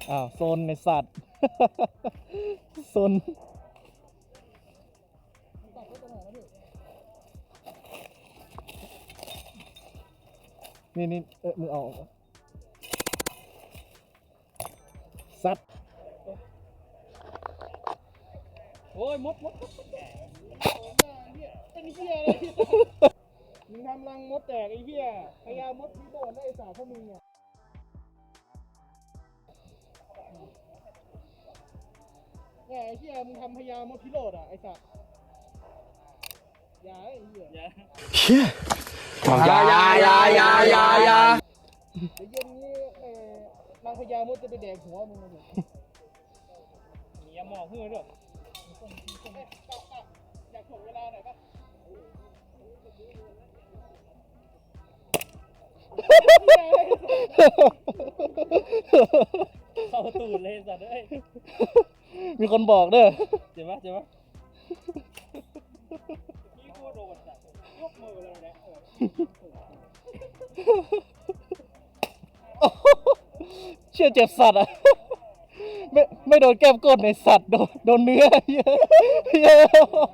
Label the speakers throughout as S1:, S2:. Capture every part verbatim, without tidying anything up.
S1: อ้าวโซนในสัตว์โซนนี่นี่เออมึงเอาสัตว์
S2: โอ้ยมดมดมดเป็นเหี้ยอะไรมึงทำรังมดแตกไอ้เหี้ยพยามดที่โดนได้ไอ้สาวพวกมึงเนี่ยไอ้เหี้ยมึงทำพยามดพิโรธอ่ะไอ้สัตว์อย่าไอ้เหี้ยอย่า
S3: อย่าอย่าอย่าอย่าอย่าอย่า
S2: ไอ้เย็นนี้เออนางพญามดจะไปแดกหัวมึงเลยมียาหมอกเพื่อด้วยอยากถ่วงเวลาหน่อยปะเข้าตูดเลยสัตว์เอ้ย
S1: มีคนบอกเด้อ
S2: เจ็บปะเจ็บปะนี่กูโดนสัตว์ยกมือเลยนะ
S1: เชื่อเจ็บสัตว์อ่ะไม่ไม่โดนแก้มก้นในสัตว์โดนโดนเนื้อเยอะเยอะ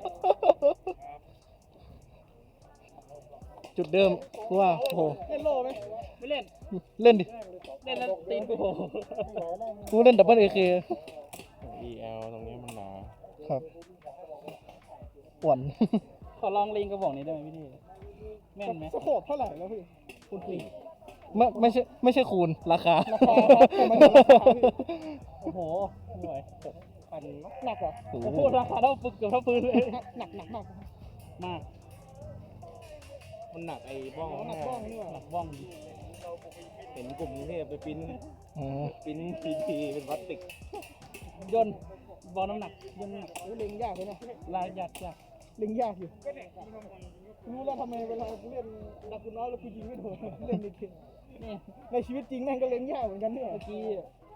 S1: จุดเดิมว่าโอ้โห
S2: เล่นโล่ไหมไม่เล่น
S1: เล่นดิ
S2: เล่นแล้วตีนกู
S1: กูเล่นดับเบิลเอเค
S3: อี แอล ตรงนี้มันหนา
S1: ครับอ้วน
S2: ขอลองลิงกระบอกนี้ได้ไหมพี่แม่นไหมสโคปเท่าไหร่แล้วพี่คุณพี่
S1: ไม่ไม่ใช่ไม่ใช่คูณราคา
S2: ราคาครับแต่มันราคาโอ้โหหน่วยพันหนักอ่ะโอ้โหราคาเท่าปืนเกือบเท่าปืนเลยหนักหนักมากมาก
S3: มันหนักไอ้บ้อง
S2: หนักบ้องนี่หนักบ้อง
S3: เห็นกลุ่มนี้ไปปิ้นปิ้นทีทีเป็นพลาสติก
S2: ยนบอลน้ำหนักยนน้ำหนักเล็งยากเลยนะลายยากยากเล็งยากอยู่รู้แล้วทำไมเวลากูเล่นดักกูน้อยแล้วกูยิงไม่โดนเล่นในเกมนี่ในชีวิตจริงแม่งก็เล็งยากเหมือนกันเนี่ยเมื่อกี้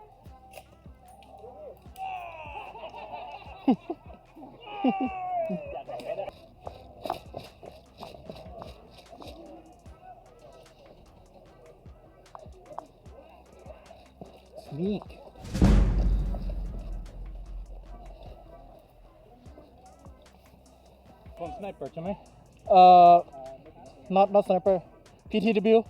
S1: นี่
S2: คนสไนเปอร์ใช่ไหม
S1: เอ่อ not not sniper พี ที ดับเบิลยู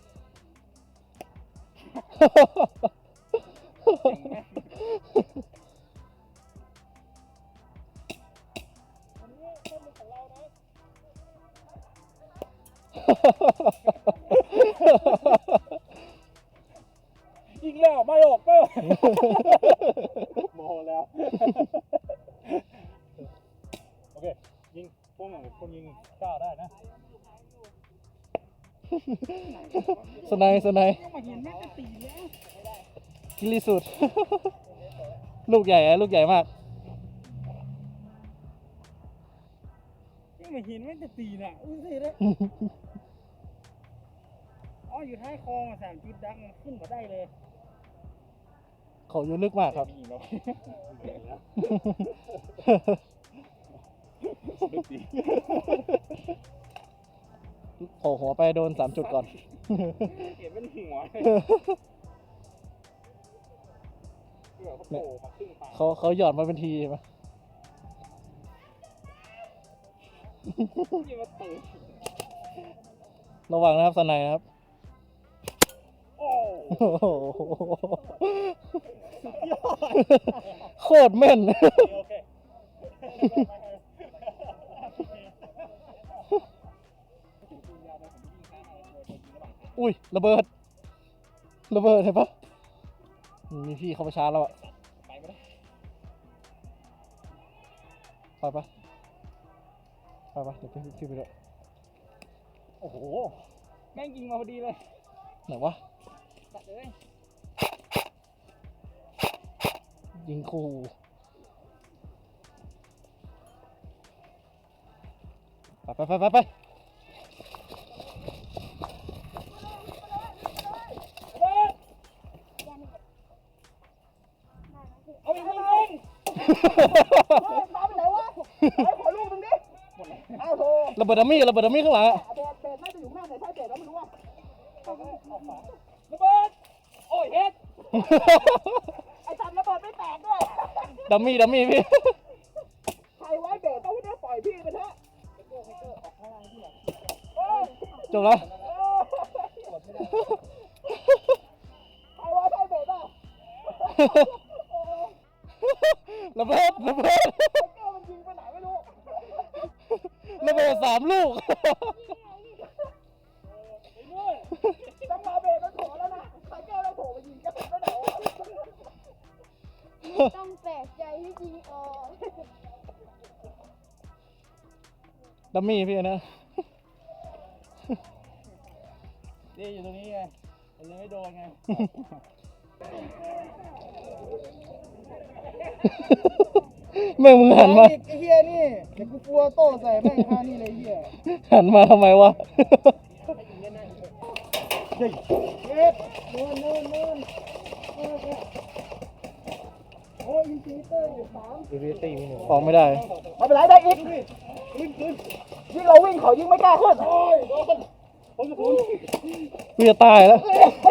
S2: ยิงแล้วไม่ออกเป้าโมโหแล้วโอเคยิงพวกอย่างคนยิงก้าวได้นะ
S1: สไนสไนกิริสุดลูกใหญ่อะลูกใหญ่มาก
S2: ยังไม่เห็นแม่งจะตีน่ะอุ้ยสิเลยอ๋ออยู่ท้ายคลองสามจุดดังขึ้นมาได้เลย
S1: เขาอยู่ลึกมากครับโผล่หัวไปโดนสามจุดก่อน
S2: เห็นเป็นหัว
S1: เขาเขาหยอดมาเป็นทีใช่ไหมระวังนะครับสไนนะครับโคตรแม่นอุ้ยระเบิดระเบิดเห็นปะมีพี่เขามาชาร์จแล้วอะไปปะไปปะเดี๋ยวพี่พี่ไปด้วย
S2: โอ้โหแม่งยิงมาพอดีเลย
S1: ไหนวะ
S2: ตัดเลย
S1: ยิงคู่ไปไปไปไปไป
S2: เอาอีกนิดนึงพาไปไหนวะไอ้ขอลูกตรงนี้เอาโถ
S1: ระเบิดดัมมี่ระเบิดดัมมี่ข้างหลังอะ
S2: เบสเบสน่าจะอยู่ข้างไหนใช่เบสแล้วไม่รู้ว่าระเบิดโอ้ยเฮ็ด
S1: ดัมมี่ดัมมี่พี่
S2: ใครไว้เบรกต้องไม่ได้ปล่อยพี่ไปเถอะเออ
S1: จบแล้ว
S2: เออใครไว้ใครเบรกอ่ะ
S1: ระเบิดระเบิด
S2: ไอ้เจ้ามันยิงไปไหนไม่รู้
S1: ระเบิดสามลูก
S2: จังหวะเบรกมันโผล่แล้วนะไอ้เจ้าเราโผล่ไปยิงกระสุนไปไหนวะ
S4: ต้องแปลกใจที่จริงออก
S1: ดัมมี่พี่นะ
S3: นี่อยู่ตรงนี้ไงมันเลยไม่โดนไง
S1: แม่งมึงหันมา
S2: ไอ้เฮียนี่เดี๋ยวกูกลัวโต้ใส่แม่งท่านี่เลยเฮีย
S1: หันมาทำไมวะ
S2: เย็ดนู่นนู่นนู่นโอ้ยยิงจีเตอร์อยู่สาม
S3: อีเวตี้มีหนึ่ง
S1: ออกไม่ได้
S2: ไม่เป็นไรได้อีกยิ่งเราวิ่งเขายิ่งไม่กล้าขึ้นโอ้ยโดนผมจะคุณ
S1: พี่จะตายแล้ว
S2: เ